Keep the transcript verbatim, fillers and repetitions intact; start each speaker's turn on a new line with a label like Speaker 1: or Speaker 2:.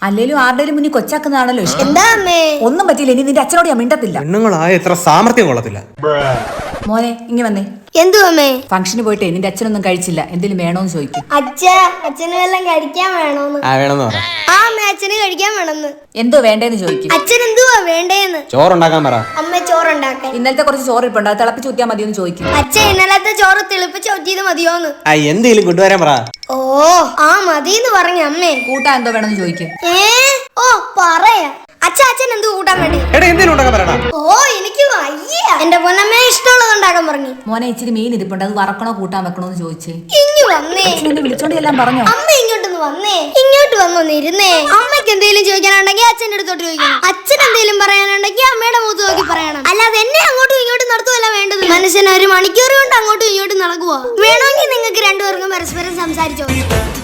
Speaker 1: അല്ലേലും ആരുടെയും മുന്നിൽ കൊച്ചാക്കുന്നതാണല്ലോ ഇഷ്ടം.
Speaker 2: എന്താ അമ്മേ?
Speaker 1: ഒന്നും പറ്റിയില്ല, ഇനി നിന്റെ അച്ഛനോട് ഞാൻ മിണ്ടത്തില്ല.
Speaker 3: പെണ്ണുങ്ങളായ എത്ര സാമർത്ഥ്യം കൊള്ളത്തില്ല.
Speaker 1: മോനെ ഇങ്ങി വന്നേ.
Speaker 2: എന്തു അമ്മേ?
Speaker 1: ഫംഗ്ഷന് പോയിട്ടേ നിന്റെ അച്ഛനൊന്നും കഴിച്ചില്ല, എന്തെങ്കിലും വേണോന്ന് ചോദിക്കും.
Speaker 2: അച്ഛ അച്ഛന് വല്ലതും കഴിക്കാൻ വേണോന്ന്?
Speaker 3: ആ വേണമെന്ന് പറ.
Speaker 2: ആ അമ്മ അച്ഛന് കഴിക്കാൻ വേണമെന്ന്.
Speaker 1: എന്തോ വേണ്ടേന്ന് ചോദിക്കും.
Speaker 2: അച്ഛൻ എന്തുവാ വേണ്ടേന്ന്?
Speaker 3: ചോറുണ്ടാക്കാൻ പറ.
Speaker 2: അമ്മ ചോറുണ്ടാക്കാൻ.
Speaker 1: ഇന്നലത്തെ കുറച്ച് ചോറ് ഇപ്പുണ്ട്, അത് തിളപ്പിച്ച് ഊറ്റിയാൽ മതിയെന്ന് ചോദിക്കും.
Speaker 2: അച്ഛൻ ഇന്നലത്തെ ചോറ് തിളിപ്പിച്ച് ഊറ്റിയത് മതിയോന്ന്?
Speaker 3: ആ എന്തെങ്കിലും കൊണ്ടുവരാൻ പറ.
Speaker 2: ഓ ആ മതിന്ന് പറഞ്ഞ അമ്മേ.
Speaker 1: കൂട്ടാൻ എന്തോ വേണമെന്ന് ചോദിക്കും.
Speaker 2: ഏ ഓ പറയാ. അച്ഛൻ അച്ഛൻ എന്ത് കൂട്ടാൻ വേണ്ടി?
Speaker 3: എടാ എന്തെങ്കിലും ഉണ്ടാക്കാൻ പറയടാ.
Speaker 2: ഓ എനിക്ക് വയ്യ. എന്റെ പൊന്നമ്മ ഇഷ്ടമുള്ളത് ഉണ്ടാക്കാൻ പറഞ്ഞു.
Speaker 1: മോനെ ഇച്ചിരി മീൻ ഇരിപ്പുണ്ട്, അത് വറക്കണോ കൂട്ടാൻ വെക്കണോന്ന് ചോദിച്ചേ.
Speaker 2: ഇങ്ങ് വന്നേ.
Speaker 1: അച്ഛനെ വിളിച്ചോണ്ട് എല്ലാം പറഞ്ഞോ.
Speaker 2: അമ്മ ഇങ്ങോട്ടൊന്ന് വന്നേ. ഇങ്ങോട്ട് വന്നൊന്ന് ഇരുന്നേ. അമ്മയ്ക്ക് എന്തെങ്കിലും ചോദിക്കാനുണ്ടെങ്കിൽ അച്ഛൻ്റെ അടുത്തോട്ട് ചോദിക്കണം. അച്ഛൻ എന്തെങ്കിലും പറയാനുണ്ടെങ്കിൽ അമ്മയുടെ മുഖത്ത് നോക്കി പറയണം. അല്ലാതെ എന്നെ അങ്ങോട്ടും ഇങ്ങോട്ടും നടത്തുവല്ല വേണ്ടത്. മനുഷ്യൻ ഒരു മണിക്കൂർ കൊണ്ട് അങ്ങോട്ടും ഇങ്ങോട്ടും നടക്കുവോ? വേണമെങ്കിൽ നിങ്ങൾക്ക് രണ്ടുപേർക്കും പരസ്പരം സംസാരിച്ചോ.